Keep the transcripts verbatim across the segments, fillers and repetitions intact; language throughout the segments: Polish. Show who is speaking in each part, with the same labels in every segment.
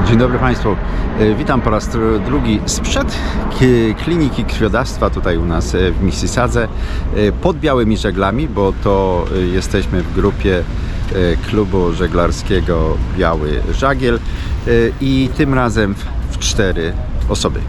Speaker 1: Dzień dobry Państwu. Witam po raz drugi sprzed kliniki krwiodawstwa tutaj u nas w Mississadze pod Białymi Żeglami, bo to jesteśmy w grupie klubu żeglarskiego Biały Żagiel i tym razem w cztery osoby.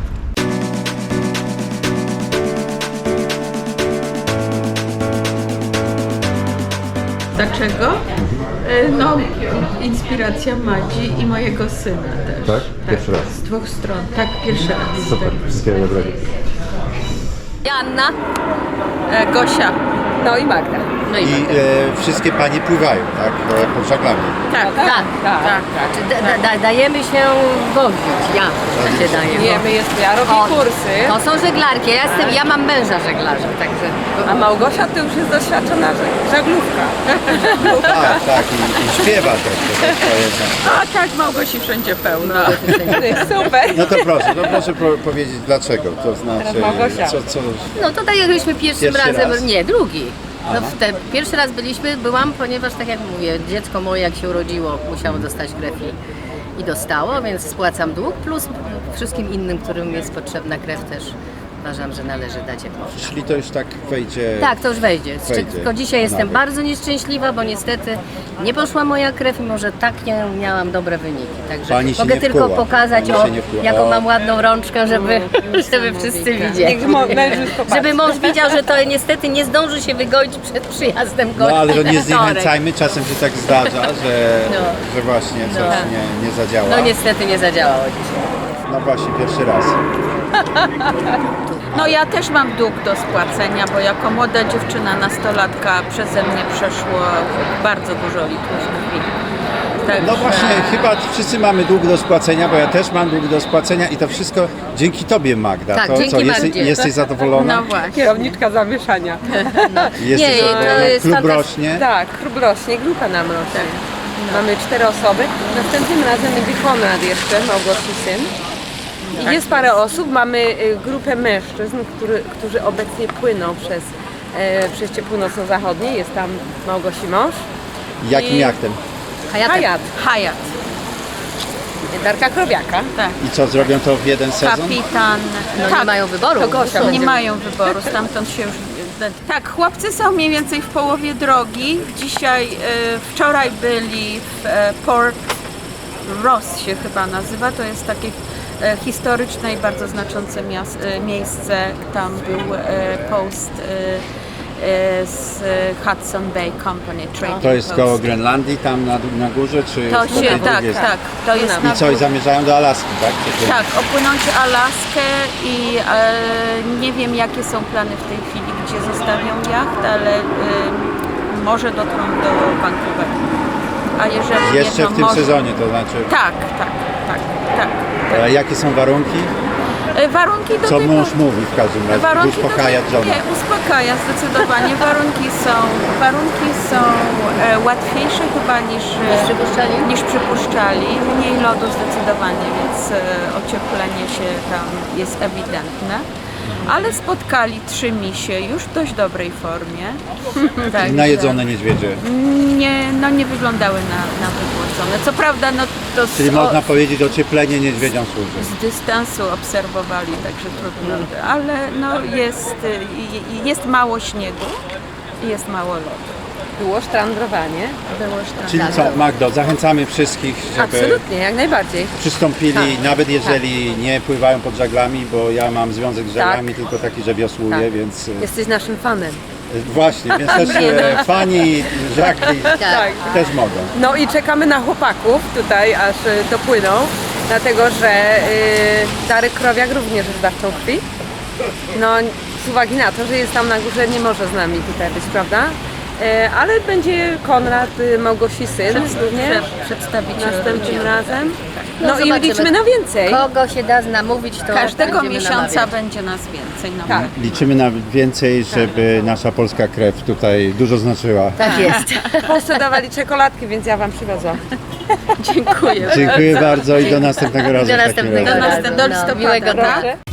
Speaker 2: Dlaczego? No, inspiracja Madzi i mojego syna też.
Speaker 1: Tak? Pierwszy raz.
Speaker 2: Z dwóch stron. Tak, pierwszy raz.
Speaker 1: Super, wszystkiego dobrego.
Speaker 3: Joanna,
Speaker 2: E, Gosia.
Speaker 3: no i Magda. No i,
Speaker 1: I e, wszystkie Panie pływają, tak? Pod żaglami.
Speaker 2: Tak,
Speaker 3: tak, tak, tak. Znaczy, da, da, da, dajemy się wozić, ja tak się daję.
Speaker 4: Wiemy, jest, ja robię
Speaker 3: O,
Speaker 4: kursy,
Speaker 3: To są żeglarki, ja, jestem, ja mam męża żeglarza, także...
Speaker 4: a Małgosia to już jest doświadczona żeg- żaglówka.
Speaker 1: Tak, tak. I, i śpiewa też. To też to jest.
Speaker 2: A tak, Małgosi wszędzie pełno.
Speaker 4: Super.
Speaker 1: No to proszę, to proszę pro, powiedzieć dlaczego. To znaczy,
Speaker 4: Małgosia.
Speaker 1: co, co...
Speaker 3: No to tak jak byliśmy pierwszym
Speaker 1: Pierwszy
Speaker 3: razem,
Speaker 1: raz?
Speaker 3: nie, drugi. No w te, pierwszy raz byliśmy, byłam, ponieważ tak jak mówię, dziecko moje jak się urodziło, musiało dostać krew i, i dostało, więc spłacam dług, plus wszystkim innym, którym jest potrzebna krew też uważam, że należy dać jak można.
Speaker 1: Czyli to już tak wejdzie...
Speaker 3: Tak, to już wejdzie.
Speaker 1: Wejdzie.
Speaker 3: Tylko dzisiaj jestem
Speaker 1: Nawet.
Speaker 3: bardzo nieszczęśliwa, bo niestety nie poszła moja krew, mimo że tak nie miałam dobre wyniki. Także
Speaker 1: Pani się
Speaker 3: mogę
Speaker 1: nie
Speaker 3: tylko
Speaker 1: wkuła.
Speaker 3: pokazać,
Speaker 1: Pani
Speaker 3: o,
Speaker 1: się nie wkuła.
Speaker 3: jaką
Speaker 1: O.
Speaker 3: mam ładną rączkę, żeby, żeby wszyscy widzieli.
Speaker 4: Niech mo- mężczyzn popatrzy.
Speaker 3: Żeby mąż widział, że to niestety nie zdąży się wygoić przed przyjazdem
Speaker 1: No
Speaker 3: gości
Speaker 1: ale to
Speaker 3: we
Speaker 1: nie
Speaker 3: wtorek.
Speaker 1: zniechęcajmy, czasem się tak zdarza, że,
Speaker 3: No.
Speaker 1: że właśnie coś
Speaker 3: No.
Speaker 1: nie, nie zadziała.
Speaker 3: No niestety nie zadziałało dzisiaj.
Speaker 1: No właśnie, pierwszy raz.
Speaker 2: No ja też mam dług do spłacenia, bo jako młoda dziewczyna, nastolatka przeze mnie przeszło bardzo dużo litrów krwi. Także...
Speaker 1: No właśnie, chyba wszyscy mamy dług do spłacenia, bo ja też mam dług do spłacenia i to wszystko dzięki Tobie, Magda.
Speaker 3: Tak,
Speaker 1: to
Speaker 3: dzięki
Speaker 1: co, jesteś,
Speaker 3: Magdzie.
Speaker 1: jesteś zadowolona?
Speaker 2: No właśnie.
Speaker 4: Kierowniczka zamieszania.
Speaker 1: Jesteś
Speaker 3: Nie, to
Speaker 1: zadowolona?
Speaker 3: jest
Speaker 1: Klub
Speaker 3: fantastyczne.
Speaker 1: rośnie?
Speaker 4: Tak, klub rośnie, grupa nam rośnie. Mamy cztery osoby. Następnym razem będzie Konrad jeszcze, Małgosi syn. I jest parę osób, mamy y, grupę mężczyzn, który, którzy obecnie płyną przez e, przejście północno-zachodnie. Jest tam Małgosi mąż.
Speaker 1: Jakim
Speaker 4: I-
Speaker 1: jachtem?
Speaker 3: Hayatem.
Speaker 4: Hayat,
Speaker 2: Hayat,
Speaker 4: Darka Krowiaka.
Speaker 2: tak.
Speaker 1: I co, zrobią to w jeden sezon?
Speaker 2: Kapitan.
Speaker 3: No
Speaker 2: tak,
Speaker 3: nie mają wyboru.
Speaker 4: to Gosia
Speaker 3: Są.
Speaker 2: nie
Speaker 4: będzie-
Speaker 2: mają wyboru, stamtąd się już... Tak, chłopcy są mniej więcej w połowie drogi. Dzisiaj, e, wczoraj byli w e, Port Ross się chyba nazywa, to jest takie e, historyczne i bardzo znaczące mias- e, miejsce. Tam był e, post e, e, z Hudson Bay Company Trading
Speaker 1: To jest
Speaker 2: Post.
Speaker 1: koło Grenlandii, tam na, na górze, czy
Speaker 2: To
Speaker 1: po tej
Speaker 2: się, tak,
Speaker 1: drugiej
Speaker 2: tak, to jest na
Speaker 1: I co, i zamierzają do Alaski, tak? Czy to-
Speaker 2: Tak, opłynąć Alaskę i e, nie wiem jakie są plany w tej chwili, gdzie zostawią jacht, ale e, może dotrą do Vancouveru. A jeżeli
Speaker 1: Jeszcze
Speaker 2: nie, to
Speaker 1: w tym
Speaker 2: może...
Speaker 1: sezonie, to znaczy,
Speaker 2: Tak, tak, tak, tak.
Speaker 1: a jakie są warunki?
Speaker 2: E, warunki do
Speaker 1: Co
Speaker 2: tego...
Speaker 1: mąż mówi w każdym razie,
Speaker 2: Warunki do
Speaker 1: uspokaja
Speaker 2: tego-
Speaker 1: żonę.
Speaker 2: Nie, uspokaja zdecydowanie. Warunki są, warunki są e, łatwiejsze chyba niż, e,
Speaker 3: Niż przypuszczali?
Speaker 2: niż przypuszczali. Mniej lodu zdecydowanie, więc e, ocieplenie się tam jest ewidentne. Ale spotkali trzy misie już w dość dobrej formie. Także
Speaker 1: Najedzone niedźwiedzie.
Speaker 2: Nie, no nie wyglądały na, na wygłodzone. Co prawda, no to z,
Speaker 1: Czyli
Speaker 2: o,
Speaker 1: można powiedzieć, ocieplenie niedźwiedziom służy.
Speaker 2: z dystansu obserwowali, także trudno. Ale no jest, y, jest mało śniegu i jest mało lodu.
Speaker 4: Było sztrandrowanie.
Speaker 2: Było sztam.
Speaker 1: Czyli co, Magdo, zachęcamy wszystkich, żeby
Speaker 4: Absolutnie, jak najbardziej.
Speaker 1: przystąpili, nawet jeżeli nie pływają pod żaglami, bo ja mam związek z żaglami, tylko taki, że wiosłuję,
Speaker 4: Tak.
Speaker 1: więc e,
Speaker 4: Jesteś naszym fanem.
Speaker 1: właśnie, więc też e, fani żagli
Speaker 3: Tak.
Speaker 1: też mogą.
Speaker 4: No i czekamy na chłopaków tutaj, aż y, dopłyną, dlatego że y, Darek Krowiak również jest dawcą krwi. No z uwagi na to, że jest tam na górze, nie może z nami tutaj być, prawda? Y, ale będzie Konrad, y, Małgosi syn również
Speaker 2: Przedstawiciel
Speaker 4: następnym
Speaker 2: rodziny.
Speaker 4: razem.
Speaker 3: No,
Speaker 4: No, i
Speaker 3: zobaczymy.
Speaker 4: liczymy na więcej.
Speaker 3: Kogo się da namówić, to
Speaker 2: Każdego
Speaker 3: będziemy
Speaker 2: miesiąca
Speaker 3: namawiać.
Speaker 2: będzie nas więcej. No.
Speaker 4: Tak.
Speaker 1: Liczymy na więcej, żeby nasza polska krew tutaj dużo znaczyła.
Speaker 3: Tak jest.
Speaker 4: W Polsce dawali czekoladki, więc ja wam przywiozłam.
Speaker 2: Dziękuję.
Speaker 1: Dziękuję bardzo i do następnego razu.
Speaker 3: Do
Speaker 1: w takim
Speaker 3: następnego
Speaker 1: razie.
Speaker 2: Do
Speaker 3: razu.
Speaker 2: następnego
Speaker 3: No,
Speaker 2: listopada,
Speaker 3: miłego dnia.
Speaker 2: tak?
Speaker 4: Proszę.